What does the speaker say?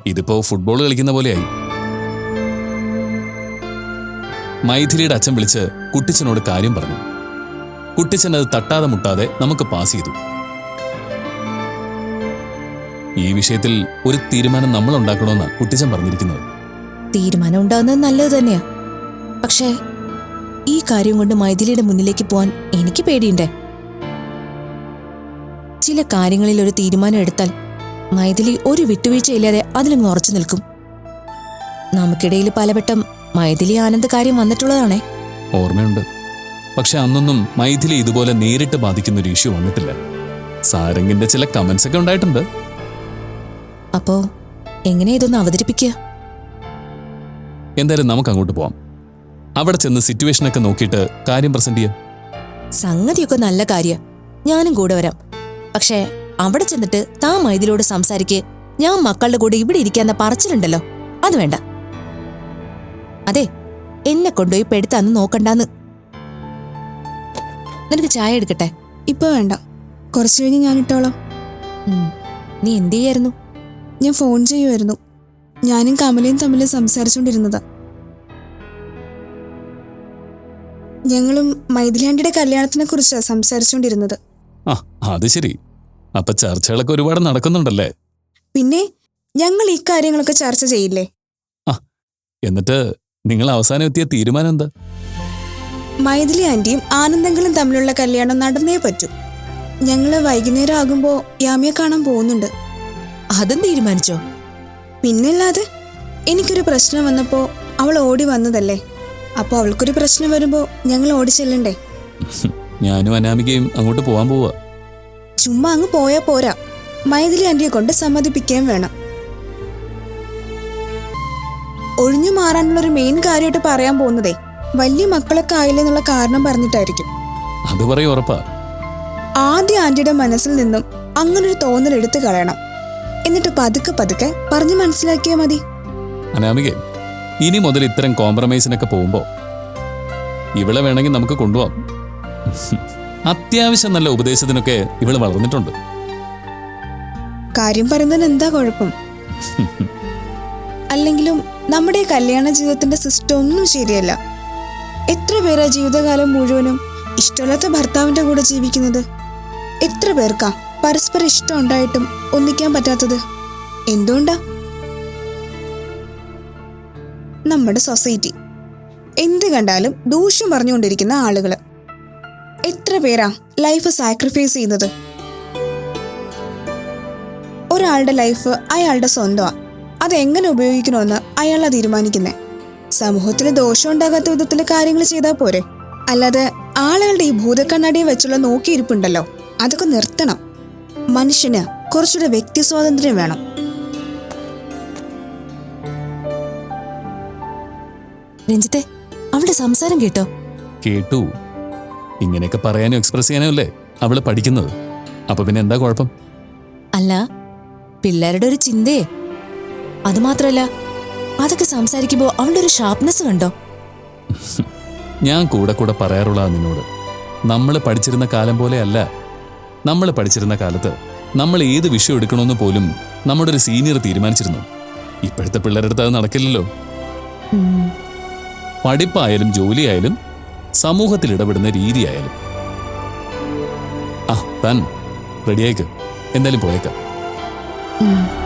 ഇതിപ്പോ ഫുട്ബോൾ കളിക്കുന്ന പോലെയായി. മൈഥിലിയുടെ അച്ഛൻ വിളിച്ച് കുട്ടിച്ചനോട് കാര്യം പറഞ്ഞു. കുട്ടിച്ചൻ അത് തട്ടാതെ മുട്ടാതെ നമുക്ക് പാസ് ചെയ്തു. ഈ വിഷയത്തിൽ ഒരു തീരുമാനം നമ്മൾ ഉണ്ടാക്കണമെന്നാണ് കുട്ടിച്ചൻ പറഞ്ഞിരിക്കുന്നത്. തീരുമാനം ഉണ്ടാകുന്നത് നല്ലത് തന്നെയാ. പക്ഷേ ഈ കാര്യം കൊണ്ട് മൈഥിലിയുടെ മുന്നിലേക്ക് പോവാൻ എനിക്ക് പേടിയുണ്ടേ. ചില കാര്യങ്ങളിൽ ഒരു തീരുമാനം എടുത്താൽ മൈഥിലി ഒരു വിട്ടുവീഴ്ചയില്ലാതെ അതിലങ്ങ് ഉറച്ചു നിൽക്കും. നമുക്കിടയിൽ പലവട്ടം മൈഥിലി ആനന്ദ് കാര്യം വന്നിട്ടുള്ളതാണേ. ഓർമ്മയുണ്ട്. പക്ഷെ അന്നൊന്നും മൈഥിലി ഇതുപോലെ നേരിട്ട് ബാധിക്കുന്ന ഒരു ഇഷ്യൂ വന്നിട്ടില്ല. സാരംഗിന്റെ ചില കമന്റ്സ് ഒക്കെ ഉണ്ടായിട്ടുണ്ട്. അപ്പോ എങ്ങനെ ഇതൊന്ന് അവതരിപ്പിക്കുക? എന്തായാലും നമുക്ക് അങ്ങോട്ട് പോവാം. അവിടെ ചെന്ന് സിറ്റുവേഷനൊക്കെ നോക്കിയിട്ട് കാര്യം പ്രസന്റ് ചെയ്യാം. സംഗതിയൊക്കെ നല്ല കാര്യ, ഞാനും കൂടെ വരാം. പക്ഷേ അവിടെ ചെന്നിട്ട് താൻ മൈഥിലിയോട് സംസാരിക്ക്, ഞാൻ മക്കളുടെ കൂടെ ഇവിടെ ഇരിക്കാന്ന പറച്ചിലുണ്ടല്ലോ, അത് വേണ്ട. അതെ, എന്നെ കൊണ്ടുപോയി പെടുത്താന്ന് നോക്കണ്ടാന്ന്. നിനക്ക് ചായ എടുക്കട്ടെ? ഇപ്പൊ വേണ്ട, കുറച്ചു കഴിഞ്ഞ് ഞാൻ ഇട്ടോളാം. നീ എന്ത് ചെയ്യായിരുന്നു? ഞാൻ ഫോൺ ചെയ്യുമായിരുന്നു. ഞാനും കമലയും തമ്മിൽ സംസാരിച്ചുകൊണ്ടിരുന്നതാ. ഞങ്ങളും മൈഥിലിയാണ്ടിയുടെ കല്യാണത്തിനെ കുറിച്ചാണ് സംസാരിച്ചുകൊണ്ടിരുന്നത്. ആ, അത് ശരി. അപ്പൊ ചർച്ചകളൊക്കെ ഒരുപാട് നടക്കുന്നുണ്ടല്ലേ? പിന്നെ ഞങ്ങൾ ഈ കാര്യങ്ങളൊക്കെ ചർച്ച ചെയ്യില്ലേ? ആ, എന്നിട്ട് നിങ്ങൾ അവസാനം എത്തിയ തീരുമാനം എന്താ? മൈഥിലി ആന്റിയും ആനന്ദങ്ങളും തമ്മിലുള്ള കല്യാണം നടന്നേ പറ്റൂ. ഞങ്ങള് വൈകുന്നേരം ആകുമ്പോ യാമിയെ കാണാൻ പോകുന്നുണ്ട്. അതും തീരുമാനിച്ചോ? പിന്നല്ലാതെ, എനിക്കൊരു പ്രശ്നം വന്നപ്പോ അവൾ ഓടി വന്നതല്ലേ. അപ്പൊ അവൾക്കൊരു പ്രശ്നം വരുമ്പോ ഞങ്ങൾ ഓടി ചെല്ലണ്ടേ? ഞാനും അനാമികയും അങ്ങോട്ട് പോവാൻ പോവാ. ചുമ്മാ അങ്ങ് പോയാ പോരാ, മൈഥിലി ആന്റിയെ കൊണ്ട് സമ്മതിപ്പിക്കുകയും വേണം. ഒഴിഞ്ഞു മാറാനുള്ളൊരു മെയിൻ കാര്യമായിട്ട് പറയാൻ പോകുന്നതേ വലിയ മക്കളൊക്കെ ആയില്ലെന്നുള്ള കാരണം പറഞ്ഞിട്ടായിരിക്കും. അത് പറയും, ഉറപ്പാ. ആദ്യ ആന്റിയുടെ മനസ്സിൽ നിന്നും അങ്ങനൊരു തോന്നൽ എടുത്തു കളയണം. എന്നിട്ട് പതുക്കെ പതുക്കെ പറഞ്ഞു മനസ്സിലാക്കിയാൽ മതി. അനാമികെ, ഇനി മുതൽ ഇത്തരം കോംപ്രമൈസിനൊക്കെ പോകുമ്പോ ഇവളെ വേണമെങ്കിൽ നമുക്ക് കൊണ്ടുപോവാം. അത്യാവശ്യം നല്ല ഉപദേശത്തിനൊക്കെ ഇവള് വളർന്നിട്ടുണ്ട്. കാര്യം പറയുന്നതിന് എന്താ കുഴപ്പം? അല്ലെങ്കിലും നമ്മുടെ കല്യാണ ജീവിതത്തിന്റെ സിസ്റ്റം ഒന്നും ശരിയല്ല. എത്ര പേരാ ജീവിതകാലം മുഴുവനും ഇഷ്ടമില്ലാത്ത ഭർത്താവിന്റെ കൂടെ ജീവിക്കുന്നത്? എത്ര പേർക്കാ പരസ്പരം ഇഷ്ടം ഉണ്ടായിട്ടും ഒന്നിക്കാൻ പറ്റാത്തത്? എന്തുകൊണ്ടാ? നമ്മുടെ സൊസൈറ്റി എന്ത് കണ്ടാലും ദൂഷ്യം പറഞ്ഞുകൊണ്ടിരിക്കുന്ന ആളുകള്. എത്ര പേരാ ലൈഫ് സാക്രിഫൈസ് ചെയ്യുന്നത്? ഒരാളുടെ ലൈഫ് അയാളുടെ സ്വന്തമാ. അതെങ്ങനെ ഉപയോഗിക്കണമെന്ന് അയാളാ തീരുമാനിക്കുന്നേ. സമൂഹത്തിന് ദോഷം ഉണ്ടാകാത്ത വിധത്തിൽ കാര്യങ്ങൾ ചെയ്താൽ പോരെ. അല്ലാതെ ആളുകളുടെ ഈ ഭൂതക്കണ്ണാടിയെ വെച്ചുള്ള നോക്കിയിരിപ്പുണ്ടല്ലോ, അതൊക്കെ നിർത്തണം. മനുഷ്യന് കുറച്ചുകൂടെ വ്യക്തി സ്വാതന്ത്ര്യം വേണം. രഞ്ജിത്തെ, അവളുടെ സംസാരം കേട്ടോ? കേട്ടു. ഇങ്ങനെയൊക്കെ പറയാനും എക്സ്പ്രസ് ചെയ്യാനും അല്ലേ അവള് പഠിക്കുന്നത്. അപ്പൊ പിന്നെ എന്താ കുഴപ്പം? അല്ല, പിള്ളേരുടെ ഒരു ചിന്തയെ. അതുമാത്രല്ല, അതൊക്കെ സംസാരിക്കുമ്പോ അവളുടെ ഒരു ഷാർപ്നെസ് കണ്ടോ? ഞാൻ കൂടെ കൂടെ പറയാറുള്ള നിന്നോട്, നമ്മൾ പഠിച്ചിരുന്ന കാലം പോലെ അല്ല. നമ്മൾ പഠിച്ചിരുന്ന കാലത്ത് നമ്മൾ ഏത് വിഷയം എടുക്കണമെന്ന് പോലും നമ്മുടെ ഒരു സീനിയർ തീരുമാനിച്ചിരുന്നു. ഇപ്പോഴത്തെ പിള്ളേരുടെ അടുത്ത് അത് നടക്കില്ലല്ലോ. പഠിപ്പായാലും ജോലിയായാലും സമൂഹത്തിൽ ഇടപെടുന്ന രീതിയായാലും. താൻ റെഡിയായിക്ക്, എന്തായാലും പോയേക്കാം.